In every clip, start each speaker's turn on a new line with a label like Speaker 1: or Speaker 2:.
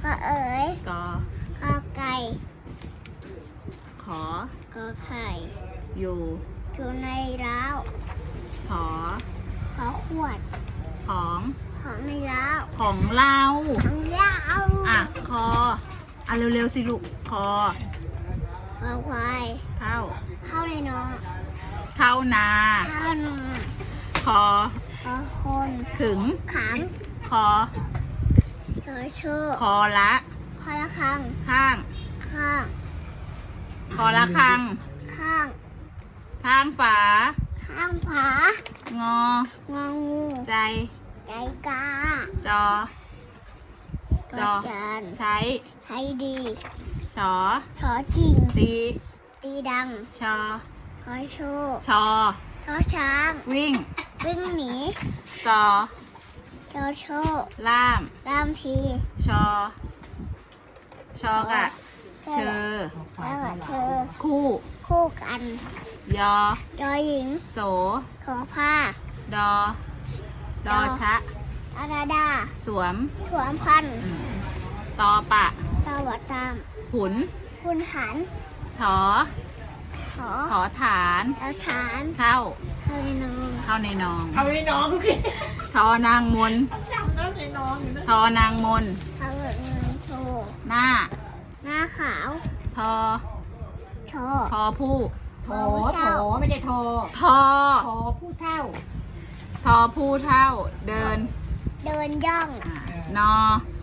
Speaker 1: อเอ๋ย
Speaker 2: กอ
Speaker 1: ขอไก่
Speaker 2: ขอ
Speaker 1: ขอไข่
Speaker 2: อยู่
Speaker 1: อยู่ในเล้า
Speaker 2: ขอ
Speaker 1: ขอขวด
Speaker 2: ของ
Speaker 1: ของในเล้า
Speaker 2: ของเรา
Speaker 1: ของเล้า
Speaker 2: อ่ะคออ่ะเร็วๆสิลูกคอ
Speaker 1: ขอควาย
Speaker 2: เข้า
Speaker 1: เข้าในนอน
Speaker 2: เข้านา
Speaker 1: เข้านอน
Speaker 2: คอ
Speaker 1: ขอคน
Speaker 2: ขึง
Speaker 1: ขัง
Speaker 2: คอ
Speaker 1: ขอเชื่อ
Speaker 2: คอละ
Speaker 1: ขอละครัง
Speaker 2: ข้าง
Speaker 1: ข้าง
Speaker 2: คอละคัง
Speaker 1: ข้าง
Speaker 2: ข้างฝา
Speaker 1: ข้างผาง
Speaker 2: อ
Speaker 1: งองู
Speaker 2: ใจ
Speaker 1: ใจกา
Speaker 2: จอ จอ
Speaker 1: จาน
Speaker 2: ใช้
Speaker 1: ให้ดี
Speaker 2: ชอ
Speaker 1: ขอชิง
Speaker 2: ตี
Speaker 1: ตีดัง
Speaker 2: ชอ
Speaker 1: ขอโชว์
Speaker 2: ชอ
Speaker 1: ขอช้าง
Speaker 2: วิ่ง
Speaker 1: วิ่งหนี
Speaker 2: ซอ
Speaker 1: ขอโชว์
Speaker 2: ล่าม
Speaker 1: ตามที
Speaker 2: ชอ ชอกะ เชอ
Speaker 1: แล้วก็เธอ
Speaker 2: คู่
Speaker 1: คู่กัน
Speaker 2: ยอ
Speaker 1: ยอหญิง
Speaker 2: โส
Speaker 1: ขอผ้า
Speaker 2: ดอ ดอชะ
Speaker 1: อาดาดา
Speaker 2: สวม
Speaker 1: สวมพันธุ์
Speaker 2: ตอปะ
Speaker 1: สวัสดตาม
Speaker 2: หุน
Speaker 1: คุณหัน
Speaker 2: ถอ
Speaker 1: ขอ
Speaker 2: ถอฐาน
Speaker 1: เอาฐาน
Speaker 2: เข้า
Speaker 1: เข้าในนอง
Speaker 2: เข้าในนอง
Speaker 3: เอาไอ้น้องพี่
Speaker 2: ทอนางมน
Speaker 3: จำแล้วไอ้น้องอยู่นะ
Speaker 2: ทอนางมน
Speaker 1: เข้าเงินโชว์
Speaker 2: หน้า
Speaker 1: หน้าขาว
Speaker 2: ทอ
Speaker 1: โชว์
Speaker 2: ทอผู้
Speaker 3: โถไม่ได้โทร
Speaker 2: ทอ
Speaker 3: โทรผู้เท่า
Speaker 2: ทอผู้เท่า เดิน
Speaker 1: เดินย่อง
Speaker 2: นอ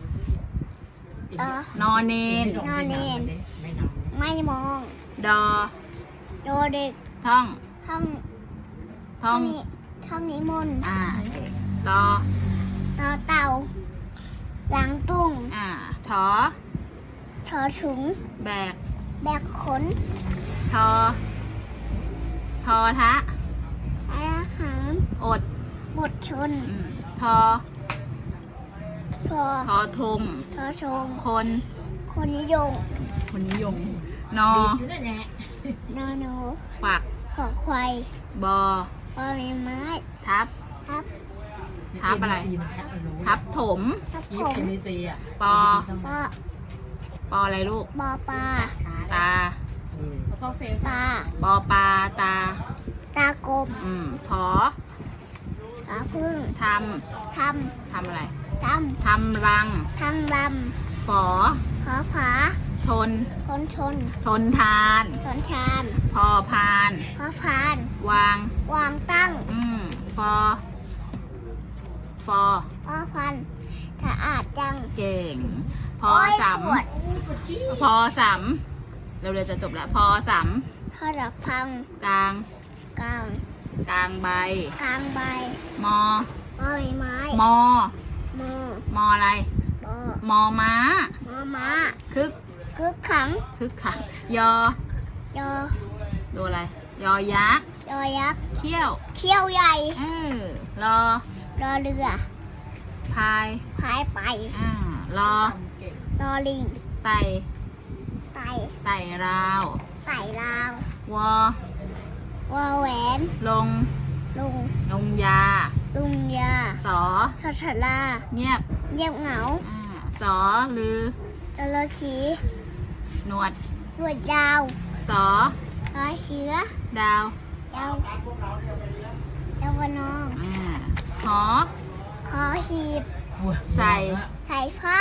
Speaker 2: นอเนน
Speaker 1: นอนเนน
Speaker 3: ไม่นอน
Speaker 1: ไม่มอง
Speaker 2: ดอ
Speaker 1: โดเด็ก
Speaker 2: ท่อง
Speaker 1: ท่อง
Speaker 2: ท่อง
Speaker 1: นี้ท่องนิมนต์
Speaker 2: ตอ
Speaker 1: ต่อเต่า หลังตุ้ง
Speaker 2: ถอ
Speaker 1: ถอถุง
Speaker 2: แบก
Speaker 1: แบกขน
Speaker 2: ทอ ทอทะ
Speaker 1: อาหาร
Speaker 2: อด
Speaker 1: บดชน
Speaker 2: ทอ
Speaker 1: ทอ
Speaker 2: ทอทง
Speaker 1: ทอชง
Speaker 2: คน
Speaker 1: คนนิยม
Speaker 2: คนนิยม นอ
Speaker 3: อยู่นั่นแหละ
Speaker 1: นอหนู
Speaker 2: ขวัก
Speaker 1: ขอควาย
Speaker 2: บอ
Speaker 1: ปอใบไม้
Speaker 2: ทับ
Speaker 1: ทับ
Speaker 2: ทับอะไร ทับถม
Speaker 1: ทับ
Speaker 3: อี
Speaker 1: ผ
Speaker 3: ฟ
Speaker 1: ม
Speaker 3: เอ็มซีอ่ะ
Speaker 2: ปอ
Speaker 1: ปอ
Speaker 2: ปออะไรลูก
Speaker 1: บอปลา
Speaker 2: ตา
Speaker 3: เขาเข้าเฟซ
Speaker 1: ปลา
Speaker 2: ปอปลา ตา
Speaker 1: ตากบ
Speaker 2: ผอ
Speaker 1: ตาพึ่ง
Speaker 2: ท
Speaker 1: ท
Speaker 2: ทำอะไร
Speaker 1: ำท
Speaker 2: ทำรัง
Speaker 1: ำทำล
Speaker 2: ฝอ
Speaker 1: ำขอผา
Speaker 2: ทน
Speaker 1: ทนชน
Speaker 2: ทนทาน
Speaker 1: ทนชาน
Speaker 2: พอพาน
Speaker 1: ขอพาน
Speaker 2: วาง
Speaker 1: วางตั้ง
Speaker 2: ฟอ ฟอ
Speaker 1: ขอพันสะอาดจัง
Speaker 2: เก่ง พอ
Speaker 1: โย
Speaker 2: ส
Speaker 1: ปวด
Speaker 2: ำพอสำเร็วๆจะจบแล้ว พอส
Speaker 1: ทอดักพัง
Speaker 2: ำกลาง
Speaker 1: กลาง
Speaker 2: กลางใบ
Speaker 1: กลางใบ
Speaker 2: มอ
Speaker 1: มอใบไม้
Speaker 2: มอ
Speaker 1: มอ
Speaker 2: มออะไร
Speaker 1: บอ
Speaker 2: มอม้า
Speaker 1: มอม้า
Speaker 2: คึก
Speaker 1: คึกขัง
Speaker 2: คึกขังยอ
Speaker 1: ยอ
Speaker 2: ดูอะไร ยอยักษ์
Speaker 1: ยอยักษ์
Speaker 2: เขี้ยว
Speaker 1: เขี้ยวใหญ่
Speaker 2: รอ
Speaker 1: รอเรือ
Speaker 2: พาย
Speaker 1: พายไป
Speaker 2: รอ
Speaker 1: รอลิง
Speaker 2: ไต่
Speaker 1: ไต่
Speaker 2: ไต่ราว
Speaker 1: ไต่ลาว
Speaker 2: วอ
Speaker 1: วอแหวน
Speaker 2: ลง
Speaker 1: ลุง
Speaker 2: ลงยา
Speaker 1: ลุงยา
Speaker 2: สอ
Speaker 1: ทอชลา
Speaker 2: เงียบ
Speaker 1: เงียบเหงา
Speaker 2: สอลือ
Speaker 1: ตะลอชี
Speaker 2: หนวด
Speaker 1: หนวดยาว
Speaker 2: สอ
Speaker 1: รอเชื้อ
Speaker 2: ดาว
Speaker 1: ยาวดาววนอง
Speaker 2: หอ
Speaker 1: ขอหีบ
Speaker 2: ใส่
Speaker 1: ใส่ผ้าร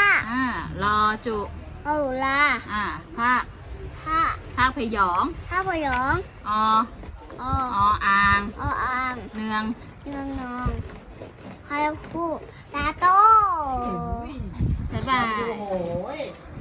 Speaker 2: อจุ
Speaker 1: เอาลา
Speaker 2: ภาค
Speaker 1: ผ้า
Speaker 2: ภาคพยอง
Speaker 1: ผ้าพยอง
Speaker 2: อ
Speaker 1: อ
Speaker 2: ออ่าง
Speaker 1: อ่าง
Speaker 2: เนือง
Speaker 1: เนืองนองพาคู่ตาโต
Speaker 2: บ๊ายบาย
Speaker 3: โอ้โห